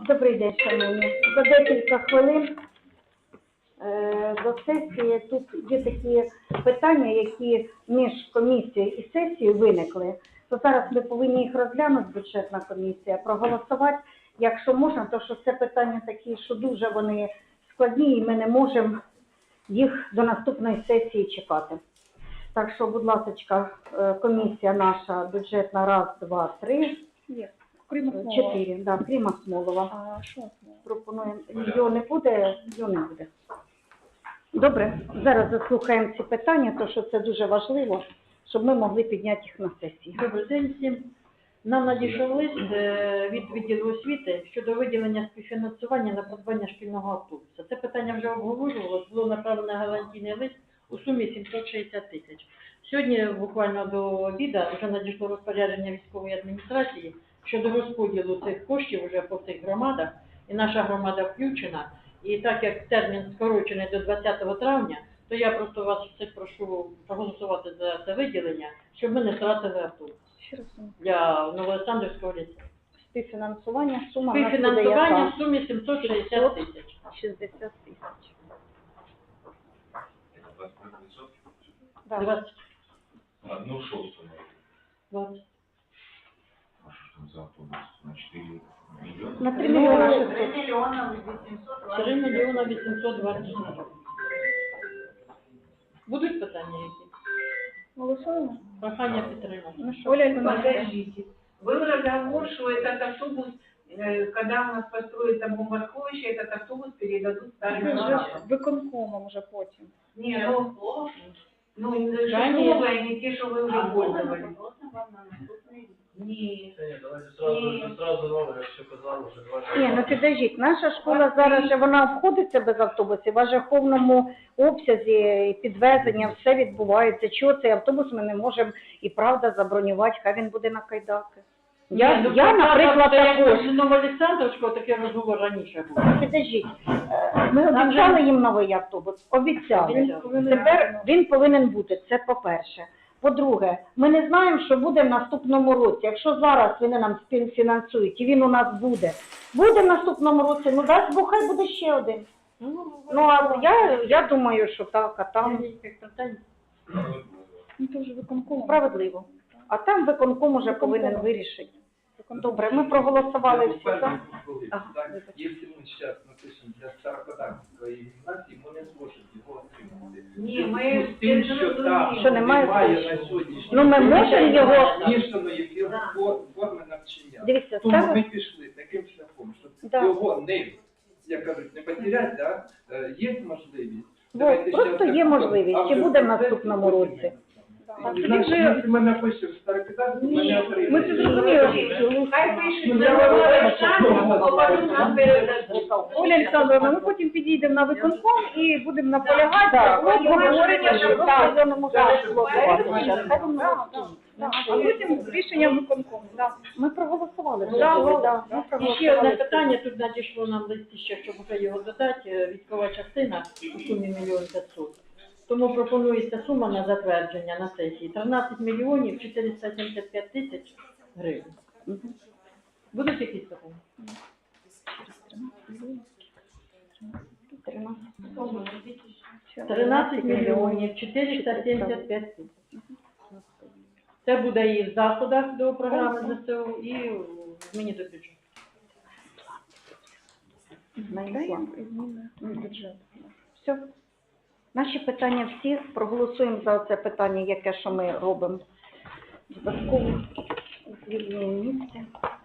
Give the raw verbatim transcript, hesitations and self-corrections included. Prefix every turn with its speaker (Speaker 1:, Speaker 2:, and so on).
Speaker 1: Добрий день, шановні. За декілька хвилин е, до сесії тут є такі питання, які між комісією і сесією виникли. То зараз ми повинні їх розглянути, бюджетна комісія, проголосувати. Якщо можна, то що це питання такі, що дуже вони складні, і ми не можемо їх до наступної сесії чекати. Так що, будь ласка, комісія наша бюджетна раз, два, три.
Speaker 2: Є. Крім Смолова.
Speaker 1: Чотири, да, крім Смолова.
Speaker 2: А що Смолова?
Speaker 1: Пропонуємо. Його не буде, його не буде. Добре, зараз заслухаємо ці питання, тому що це дуже важливо, щоб ми могли підняти їх на сесії.
Speaker 3: Добрий день всім. Нам надійшов лист е, від відділу освіти щодо виділення співфінансування на придбання шкільного автобуса. Це питання вже обговорювалося, було направлено гарантійний лист у сумі сімсот шістдесят тисяч. Сьогодні, буквально до обіду, вже надійшло розпорядження військової адміністрації щодо розподілу цих коштів вже по цих громадах, і наша громада включена. І так як термін скорочений до двадцятого травня, то я просто вас всіх прошу проголосувати за це виділення, щоб ми не втратили автобус
Speaker 2: Ще раз.
Speaker 3: для Новоолександрівського ліцею.
Speaker 1: Співфінансування, сума в нас буде
Speaker 3: Співфінансування
Speaker 1: яка?
Speaker 3: в сумі сімсот шістдесят тисяч.
Speaker 1: шістдесят тисяч. Да.
Speaker 3: двадцять.
Speaker 4: Одну шостую.
Speaker 3: двадцять.
Speaker 4: А что ж там за автобус? На четыре миллиона?
Speaker 1: На три мільйона шістсот.
Speaker 3: три мільйона вісімсот двадцять. Будуть питання які?
Speaker 2: Голосуємо?
Speaker 3: Прохання підтримати.
Speaker 2: Ну що?
Speaker 1: Оля Івановна.
Speaker 5: Подождите. Был разговор, что этот автобус, э, когда у нас построится бомбосховище, этот автобус передадут старым
Speaker 2: Це вже
Speaker 5: гражданам.
Speaker 2: виконкомом вже потім.
Speaker 5: Не, ну, ну, не
Speaker 3: Да,
Speaker 5: новые, не те, что вы уже пользовались. Нет.
Speaker 6: Ні, давайте сразу, сразу нове, якщо казали, вже два.
Speaker 1: Ні, ну підождіть, наша школа зараз, же вона обходиться без автобусів, в ажаховному обсязі і підвезення, все відбувається. Чого цей автобус ми не можемо і правда забронювати, хай він буде на кайдаки. Я,
Speaker 3: Ні, ну,
Speaker 1: я наприклад,
Speaker 3: як
Speaker 1: також.
Speaker 3: з Новоолександрівського такий розговор раніше був.
Speaker 1: Підождіть, е, ми обіцяли їм новий автобус, обіцяли.
Speaker 3: Обіцяли.
Speaker 1: Тепер він повинен бути, це по-перше. По-друге, ми не знаємо, що буде в наступному році. Якщо зараз вони нам співфінансують і він у нас буде, буде в наступному році, ну дасть Бог, хай буде ще один. Ну, а я, я думаю, що так, а там
Speaker 2: Ну це вже виконкомом.
Speaker 1: справедливо. А там виконком уже повинен вирішити. Добре, ми проголосували всі за. Ага,
Speaker 6: Так,
Speaker 1: вибачте.
Speaker 6: если мы сейчас напишем для Старокодарської гімназії, ми не зможемо його отримати.
Speaker 5: Ні, ми
Speaker 6: З тим, що там
Speaker 1: Що немає
Speaker 6: на сьогоднішній
Speaker 1: Ну, ми можемо його-
Speaker 6: змішаної фор- форми навчання.
Speaker 1: Дивіться,
Speaker 6: Тому
Speaker 1: ставимо.
Speaker 6: ми пішли таким шляхом, щоб
Speaker 1: Да.
Speaker 6: його не, як кажуть, не потеряти, да? Е, є можливість.
Speaker 1: Бо
Speaker 6: Давайте
Speaker 1: просто
Speaker 6: щас
Speaker 1: є
Speaker 6: так,
Speaker 1: можливість,
Speaker 6: а
Speaker 1: чи
Speaker 6: вже
Speaker 1: буде в
Speaker 6: процес
Speaker 1: наступному
Speaker 6: потім
Speaker 1: році.
Speaker 6: ми-
Speaker 1: Так,
Speaker 6: Значить,
Speaker 1: вже-
Speaker 6: якщо ми напишемо Старокодарську, ми не отримаємо.
Speaker 2: Ми це зрозуміли.
Speaker 5: Хай пишуть
Speaker 6: Ну,
Speaker 5: на
Speaker 6: я
Speaker 5: Новоолександрівську, а потім нам передадуть.
Speaker 2: Оля Олександровна, ми потім підійдемо на виконком і будемо наполягати
Speaker 1: Так,
Speaker 2: на обговорення, що
Speaker 1: так,
Speaker 2: просто
Speaker 1: я не можу голосувати зараз. Хай воно розкажуть.
Speaker 2: а потім рішення виконкому. Да.
Speaker 1: Ми проголосували. вже,
Speaker 2: Да,
Speaker 1: були,
Speaker 2: да,
Speaker 1: да, ми
Speaker 3: І ще
Speaker 1: проголосували.
Speaker 3: одне питання, тут надійшло нам листі ще, щоб вже його додати, військова частина у сумі мільйон п'ятсот. Тому пропонується сума на затвердження на сесії тринадцять мільйонів чотириста сімдесят п'ять тисяч гривень. Будуть якісь питання? тринадцять мільйонів чотириста сімдесят п'ять тисяч. Це буде і в заходах до програми ЗСУ, і в зміні до бюджету.
Speaker 1: Знайшла.
Speaker 2: Зміни бюджету.
Speaker 1: Все. Наші питання всі. Проголосуємо за це питання, яке що ми робимо. Додатково звільнення місця.